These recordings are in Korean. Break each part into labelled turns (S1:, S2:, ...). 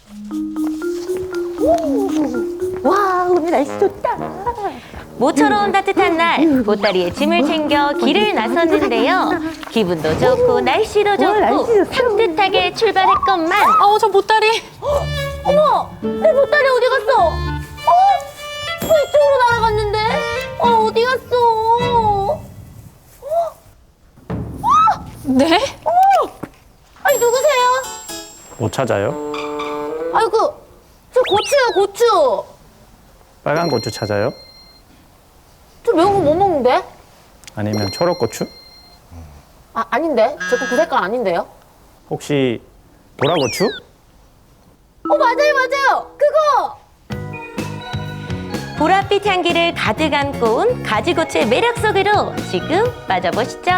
S1: 와, 오늘 날씨 좋다.
S2: 모처럼 따뜻한 날 보따리에 짐을 챙겨 길을 나섰는데요. 기분도 좋고 날씨도 좋고 산뜻하게 출발했건만
S3: 저 보따리.
S1: 어머, 내 보따리 어디 갔어? 저 이쪽으로 날아갔는데? 어디 갔어?
S3: 네?
S1: 아니, 누구세요?
S4: 못 찾아요?
S1: 아이고, 저 고추요, 고추.
S4: 빨간 고추 찾아요?
S1: 저 매운 거 못 먹는데?
S4: 아니면 초록 고추?
S1: 아닌데? 저 그 색깔 아닌데요?
S4: 혹시 보라고추?
S1: 맞아요. 그거!
S2: 보랏빛 향기를 가득 안고 온 가지고추의 매력 속으로 지금 빠져보시죠.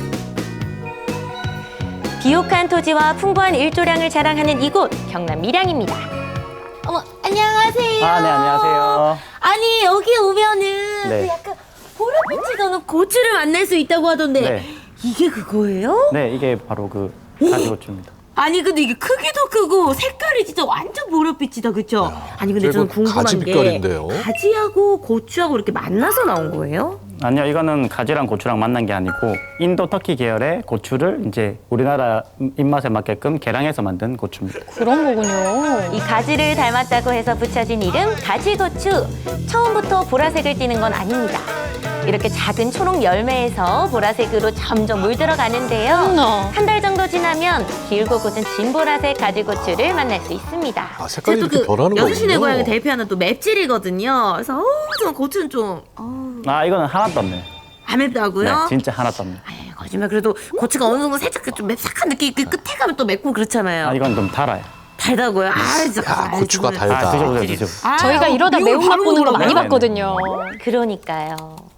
S2: 비옥한 토지와 풍부한 일조량을 자랑하는 이곳 경남 밀양입니다.
S1: 어머, 안녕하세요.
S4: 네, 안녕하세요.
S1: 아니, 여기 오면은
S4: 네.
S1: 그 약간 보랏빛이 도는 고추를 만날 수 있다고 하던데
S4: 네.
S1: 이게 그거예요?
S4: 네, 이게 바로 그 가지고추입니다.
S1: 아니, 근데 이게 크기도 크고 색깔이 진짜 완전 보랏빛이다, 그쵸? 아니, 근데 저는 궁금한
S5: 가지
S1: 게
S5: 빛깔인데요?
S1: 가지하고 고추하고 이렇게 만나서 나온 거예요?
S4: 아니요, 이거는 가지랑 고추랑 만난 게 아니고 인도 터키 계열의 고추를 이제 우리나라 입맛에 맞게끔 개량해서 만든 고추입니다.
S3: 그런 거군요.
S2: 이 가지를 닮았다고 해서 붙여진 이름 가지고추. 처음부터 보라색을 띠는 건 아닙니다. 이렇게 작은 초록 열매에서 보라색으로 점점 물들어가는데요.
S3: 어머나.
S2: 한 달 정도 지나면 길고 곧은 진보라색 가지고추를 만날 수 있습니다.
S5: 아, 색깔이 이렇게 변하는 거군요.
S1: 여수시내 고향을 대표하는 또 맵찔이거든요. 그래서 저 고추는 좀
S4: 이거는 하나도 없네요.
S1: 안 맵다고요?
S4: 네, 진짜 하나도 없네요.
S1: 아이, 거짓말. 그래도 고추가 어느 정도 살짝 좀 맵싹한 느낌, 그 끝에 가면 또 맵고 그렇잖아요.
S4: 이건 좀 달아요.
S1: 달다고요? 진짜.
S5: 야, 고추가 달다.
S4: 드셔보세요, 드셔보세요.
S3: 저희가 이러다
S1: 이걸
S3: 매운맛
S1: 바로
S3: 보는 거 많이
S4: 먹어요?
S3: 봤거든요.
S2: 그러니까요.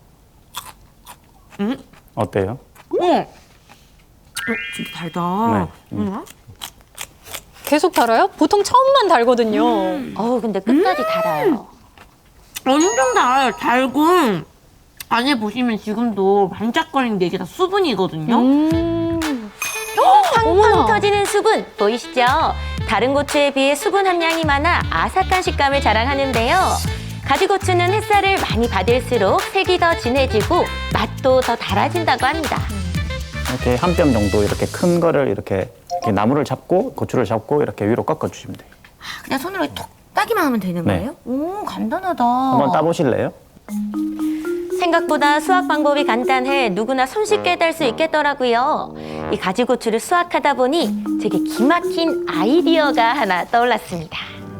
S4: 어때요?
S1: 진짜 달다.
S4: 네.
S3: 계속 달아요? 보통 처음만 달거든요.
S2: 근데 끝까지 달아요.
S1: 엄청 달아요. 달고 안에 보시면 지금도 반짝거리는 게 이게 다 수분이거든요.
S2: 팡팡
S3: 어머나.
S2: 터지는 수분 보이시죠? 다른 고추에 비해 수분 함량이 많아 아삭한 식감을 자랑하는데요. 가지고추는 햇살을 많이 받을수록 색이 더 진해지고 맛도 더 달아진다고 합니다.
S4: 이렇게 한 뼘 정도 이렇게 큰 거를 이렇게 나무를 잡고 고추를 잡고 이렇게 위로 꺾어 주시면 돼요.
S1: 그냥 손으로 톡 따기만 하면 되는
S4: 네.
S1: 거예요? 오, 간단하다.
S4: 한번 따보실래요?
S2: 생각보다 수확 방법이 간단해 누구나 손쉽게 딸 수 있겠더라고요. 이 가지고추를 수확하다 보니 제게 기막힌 아이디어가 하나 떠올랐습니다.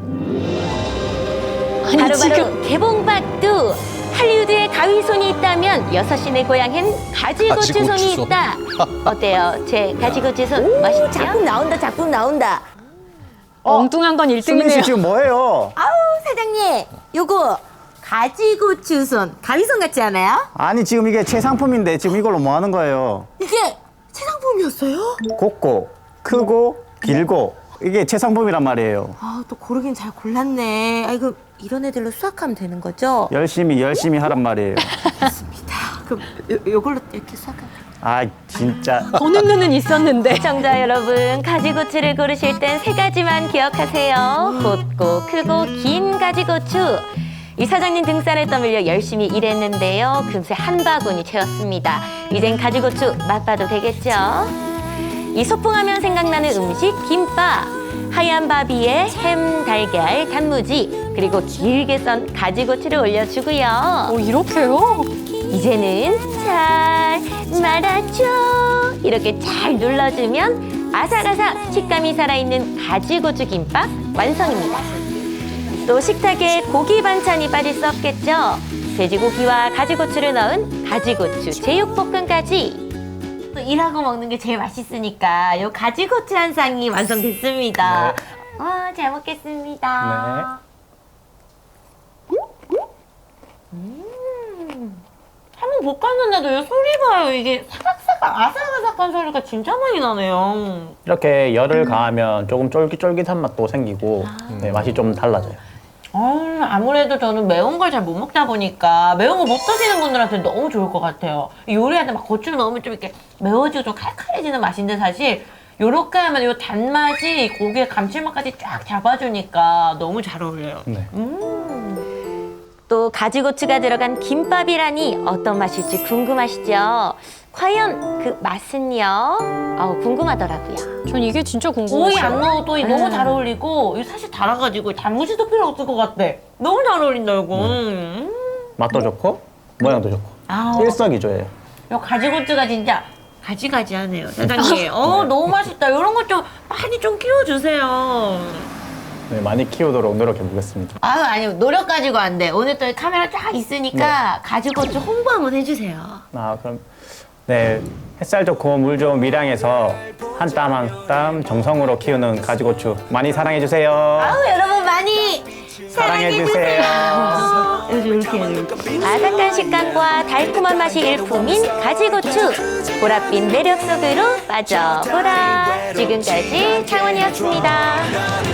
S3: 아니,
S2: 바로바로
S3: 지금
S2: 개봉박두! 할리우드에 가위손이 있다면 여섯시내 고향엔 가지고추손이
S5: 가지고추손.
S2: 있다. 어때요? 제 가지고추손 멋있죠?
S1: 작품 나온다.
S3: 엉뚱한 건
S4: 수민 씨
S3: 1등이네요.
S4: 지금 뭐예요?
S1: 사장님, 요거 가지고추손. 가위손 같지 않아요?
S4: 아니 지금 이게 최상품인데 지금 이걸로 뭐 하는 거예요?
S1: 이게 새 상품이었어요?
S4: 곱고 크고 길고 이게 최상품이란 말이에요.
S1: 또 고르긴 잘 골랐네. 이거 이런 애들로 수확하면 되는 거죠?
S4: 열심히 하란 말이에요.
S1: 그럼 요걸로 이렇게 수확하면
S4: 진짜.
S3: 보는 눈은 있었는데.
S2: 시청자 여러분, 가지고추를 고르실 땐 세 가지만 기억하세요. 곱고 크고 긴 가지고추. 이 사장님 등살을 떠밀려 열심히 일했는데요. 금세 한 바구니 채웠습니다. 이젠 가지고추 맛봐도 되겠죠? 이 소풍하면 생각나는 음식 김밥. 하얀 밥 위에 햄, 달걀, 단무지 그리고 길게 썬 가지고추를 올려주고요.
S3: 이렇게요?
S2: 이제는 잘 말아줘. 이렇게 잘 눌러주면 아삭아삭 식감이 살아있는 가지고추 김밥 완성입니다. 또 식탁에 고기 반찬이 빠질 수 없겠죠. 돼지고기와 가지고추를 넣은 가지고추 제육볶음까지. 또 일하고 먹는 게 제일 맛있으니까 요 가지고추 한 쌍이 완성됐습니다. 잘 먹겠습니다. 한번 볶았는데도 이 소리 봐요. 이게 사각사각 아삭아삭한 소리가 진짜 많이 나네요.
S4: 이렇게 열을 가하면 조금 쫄깃쫄깃한 맛도 생기고 네, 맛이 좀 달라져요.
S1: 아무래도 저는 매운 걸 잘 못 먹다 보니까 매운 거 못 드시는 분들한테 너무 좋을 것 같아요. 요리할 때 막 고추 넣으면 좀 이렇게 매워지고 좀 칼칼해지는 맛인데 사실 요렇게 하면 요 단맛이 고기의 감칠맛까지 쫙 잡아주니까 너무 잘 어울려요.
S4: 네.
S2: 또 가지고추가 들어간 김밥이라니 어떤 맛일지 궁금하시죠? 과연 그 맛은요? 궁금하더라고요.
S3: 전 이게 진짜
S1: 오이
S3: 궁금해요.
S1: 안 넣어도 너무 잘 어울리고 이거 사실 달아가지고 단무지도 필요 없을 것 같아. 너무 잘 어울린다 이거.
S4: 맛도 좋고 모양도 좋고
S1: 아우.
S4: 일석이조예요.
S1: 요 가지고추가 진짜 가지가지하네요, 사장님. 너무 맛있다. 이런 것 좀 많이 좀 키워주세요.
S4: 네, 많이 키우도록 노력해 보겠습니다.
S1: 아니 노력 가지고 안 돼. 오늘 또 카메라 쫙 있으니까 가지고추 홍보 한번 해주세요.
S4: 그럼 네, 햇살 좋고 물 좋은 밀양에서 한 땀 한 땀 정성으로 키우는 가지고추 많이 사랑해 주세요.
S1: 여러분 많이
S4: 사랑해 주세요.
S1: 이렇게 이렇게.
S2: 바삭한 식감과 달콤한 맛이 일품인 가지고추. 보랏빛 매력 속으로 빠져보라. 지금까지 창원이었습니다.